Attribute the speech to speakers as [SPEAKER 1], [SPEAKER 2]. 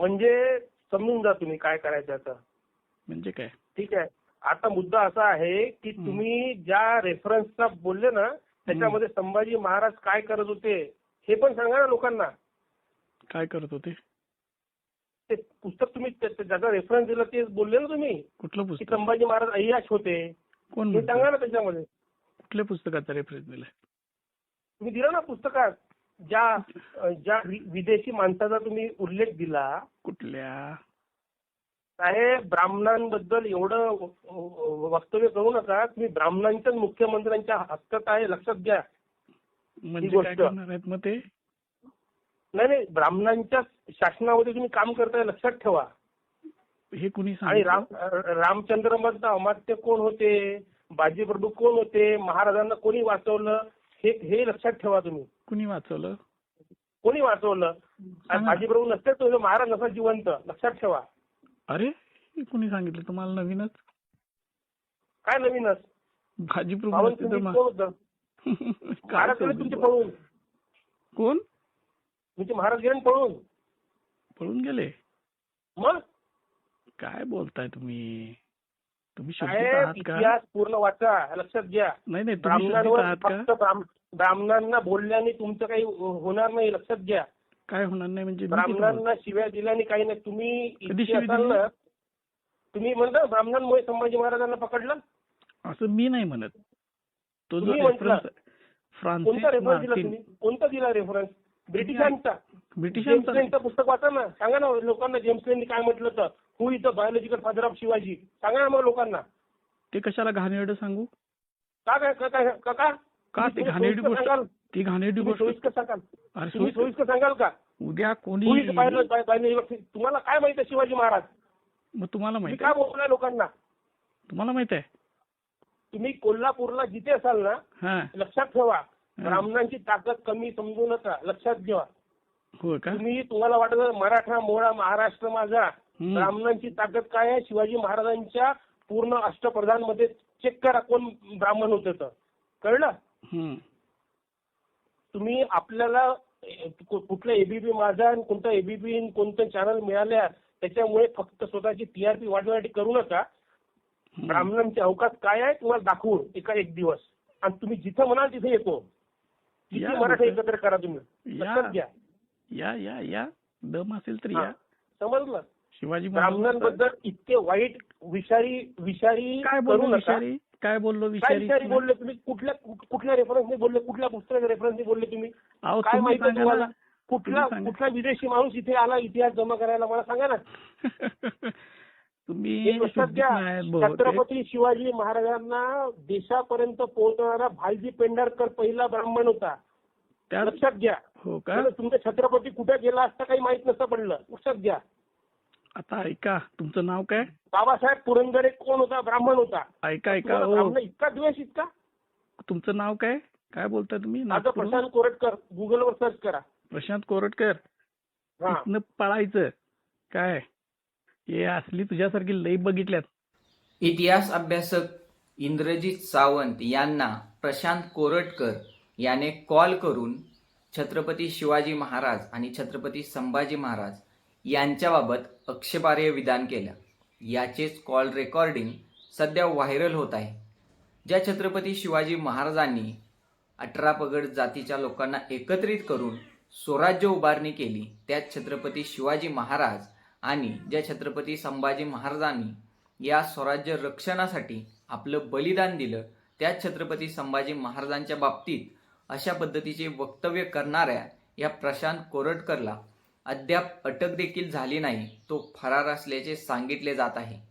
[SPEAKER 1] म्हणजे समजून जा तुम्ही काय करायचं आता.
[SPEAKER 2] म्हणजे काय?
[SPEAKER 1] ठीक आहे. आता मुद्दा असा आहे की तुम्ही ज्या रेफरन्सचा बोलले ना त्याच्यामध्ये संभाजी महाराज काय करत होते हे पण सांगा ना लोकांना.
[SPEAKER 2] काय करत होते?
[SPEAKER 1] ते पुस्तक तुम्ही ज्याचा रेफरन्स दिला ते बोलले ना तुम्ही
[SPEAKER 2] कुठलं
[SPEAKER 1] की
[SPEAKER 2] पुस्तक?
[SPEAKER 1] संभाजी महाराज अय्याश होते.
[SPEAKER 2] कोण
[SPEAKER 1] हे सांगा ना त्याच्यामध्ये.
[SPEAKER 2] कुठल्या पुस्तकाचा रेफरन्स दिलाय?
[SPEAKER 1] तुम्ही दिला ना पुस्तकात ज्या विदेशी माणसाचा तुम्ही उल्लेख दिला.
[SPEAKER 2] कुठल्या?
[SPEAKER 1] साहेब ब्राह्मणांबद्दल एवढं वक्तव्य करू नका. तुम्ही ब्राह्मणांच्याच मुख्यमंत्र्यांच्या हक्कात आहे लक्षात घ्या.
[SPEAKER 2] म्हणजे काय करणार आहेत मग ते?
[SPEAKER 1] नाही ब्राह्मणांच्या शासनामध्ये तुम्ही काम करताय लक्षात ठेवा.
[SPEAKER 2] हे कुणी
[SPEAKER 1] आणि
[SPEAKER 2] सांगितलं?
[SPEAKER 1] रामचंद्र मधलं अमात्य कोण होते, बाजीप्रभू कोण होते, महाराजांना कोणी वाचवलं हे लक्षात ठेवा तुम्ही.
[SPEAKER 2] कुणी वाचवलं?
[SPEAKER 1] कोणी वाचवलं? बाजीप्रभू नसते तो महाराज नसा जिवंत लक्षात ठेवा.
[SPEAKER 2] अरे हे कुणी सांगितलं तुम्हाला? नवीनच?
[SPEAKER 1] काय नवीनच?
[SPEAKER 2] बाजीप्रभू नसते तर
[SPEAKER 1] कोण होतं? महाराज गेले तुमचे पळून.
[SPEAKER 2] कोण?
[SPEAKER 1] तुमचे महाराज गेले पळून.
[SPEAKER 2] पळून गेले?
[SPEAKER 1] मग
[SPEAKER 2] काय बोलताय तुम्ही? तुम्ही शुद्ध
[SPEAKER 1] साहेब
[SPEAKER 2] आहात का?
[SPEAKER 1] इतिहास पूर्ण वाचा लक्षात घ्या.
[SPEAKER 2] नाही तुम्ही शुद्ध
[SPEAKER 1] ब्राह्मणांवर
[SPEAKER 2] आहात का?
[SPEAKER 1] फक्त ब्राह्मणांना बोलल्याने तुमचं काही होणार नाही लक्षात घ्या.
[SPEAKER 2] काय होणार नाही म्हणजे?
[SPEAKER 1] ब्राह्मणांना शिव्या दिल्याने काही नाही. तुम्ही
[SPEAKER 2] कधी
[SPEAKER 1] इतके
[SPEAKER 2] शिवी
[SPEAKER 1] असाल
[SPEAKER 2] दिली?
[SPEAKER 1] ना. तुम्ही म्हणता ब्राह्मणांमुळे संभाजी महाराजांना पकडलं.
[SPEAKER 2] असं मी नाही म्हणत. तो जो
[SPEAKER 1] तुम्ही म्हटलं.
[SPEAKER 2] फ्रान्सिस
[SPEAKER 1] कोणता रेफरन्स दिला
[SPEAKER 2] मार्टिन.
[SPEAKER 1] तुम्ही? कोणता दिला रेफरन्स? ब्रिटिशांचा. जेम्स
[SPEAKER 2] ब्रिटिशांचा
[SPEAKER 1] लेनचं पुस्तक वाचा ना. सांगा ना लोकांना जेम्स लेननी काय म्हटलं तर. Who is the biological father of Shivaji. सांगा ना मग लोकांना.
[SPEAKER 2] ते कशाला घाणेरडं सांगू?
[SPEAKER 1] का
[SPEAKER 2] ते घाणेरडी गोष्ट? ती घाणेरडी गोष्ट
[SPEAKER 1] सोयीस्कर सांगाल?
[SPEAKER 2] अरे
[SPEAKER 1] तुम्ही सोयीस्कर सांगाल का?
[SPEAKER 2] उद्या कोणी
[SPEAKER 1] तुम्हाला काय माहित आहे शिवाजी महाराज?
[SPEAKER 2] मग तुम्हाला
[SPEAKER 1] तुम्ही
[SPEAKER 2] माहित
[SPEAKER 1] काय
[SPEAKER 2] आहे?
[SPEAKER 1] बोलताय लोकांना?
[SPEAKER 2] तुम्हाला माहित आहे?
[SPEAKER 1] तुम्ही कोल्हापूरला जिथे असाल ना
[SPEAKER 2] हा
[SPEAKER 1] लक्षात ठेवा. ब्राह्मणांची ताकद कमी समजू नका लक्षात घ्या.
[SPEAKER 2] हो का?
[SPEAKER 1] तुम्हाला वाटत मराठा मोळा महाराष्ट्र माझा. ब्राह्मणांची ताकद काय आहे? शिवाजी महाराजांच्या पूर्ण अष्टप्रधान मध्ये चेक करा कोण ब्राह्मण होते तर कळलं. तुम्ही आपल्याला कुठलं एबीपी माझा आणि कोणतं एबीपी कोणतं चॅनल मिळाल्या त्याच्यामुळे फक्त स्वतःची टीआरपी वाढवण्यासाठी करू नका. ब्राह्मणांचे अवकाश काय आहे तुम्हाला दाखवू एक दिवस. आणि तुम्ही जिथं म्हणाल तिथे येतो. किती मराठा एकत्र करा तुम्ही लक्षात घ्या.
[SPEAKER 2] या दम असेल तर या.
[SPEAKER 1] समजलं?
[SPEAKER 2] शिवाजी
[SPEAKER 1] ब्राह्मणांबद्दल इतके वाईट विषारी
[SPEAKER 2] काय
[SPEAKER 1] करू नका.
[SPEAKER 2] काय बोललो
[SPEAKER 1] काय विषारी बोलले तुम्ही? कुठल्या रेफरन्सने बोलले? कुठल्या पुस्तकाच्या रेफरन्सने बोलले तुम्ही? काय माहिती तुम्हाला? कुठला विदेशी माणूस इथे आला इतिहास जमा करायला मला सांगा ना.
[SPEAKER 2] तुम्ही
[SPEAKER 1] छत्रपती शिवाजी महाराजांना देशापर्यंत पोहोचणारा भालजी पेंढारकर पहिला ब्राह्मण होता लक्षात घ्या.
[SPEAKER 2] हो का?
[SPEAKER 1] तुमचा छत्रपती कुठे गेला असता काही माहित नसतं पडलं लक्षात घ्या.
[SPEAKER 2] आता ऐका तुमचं नाव काय?
[SPEAKER 1] बाबासाहेब पुरंदरे कोण होता? ब्राह्मण होता.
[SPEAKER 2] ऐका
[SPEAKER 1] ब्राह्मण इतका द्वेष इतका.
[SPEAKER 2] तुमचं नाव काय? काय बोलताय तुम्ही?
[SPEAKER 1] माझं प्रशांत कोरटकर. गुगलवर सर्च करा.
[SPEAKER 2] प्रशांत कोरटकर. इथनं पळायचं काय? हे असली तुझ्यासारखी लई बघितल्यात.
[SPEAKER 3] इतिहास अभ्यासक इंद्रजित सावंत यांना प्रशांत कोरटकर याने कॉल करून छत्रपती शिवाजी महाराज आणि छत्रपती संभाजी महाराज यांच्याबाबत आक्षेपार्ह विधान केलं. याचेच कॉल रेकॉर्डिंग सध्या व्हायरल होत आहे. ज्या छत्रपती शिवाजी महाराजांनी 18 पगड जातीच्या लोकांना एकत्रित करून स्वराज्य उभारणी केली त्याच छत्रपती शिवाजी महाराज आणि ज्या छत्रपती संभाजी महाराजांनी या स्वराज्य रक्षणासाठी आपलं बलिदान दिलं त्याच छत्रपती संभाजी महाराजांच्या बाबतीत अशा पद्धतीचे वक्तव्य करणाऱ्या या प्रशांत कोरटकरला अद्याप अटक देखील झाली नाही. तो फरार असल्याचे सांगितले जात आहे.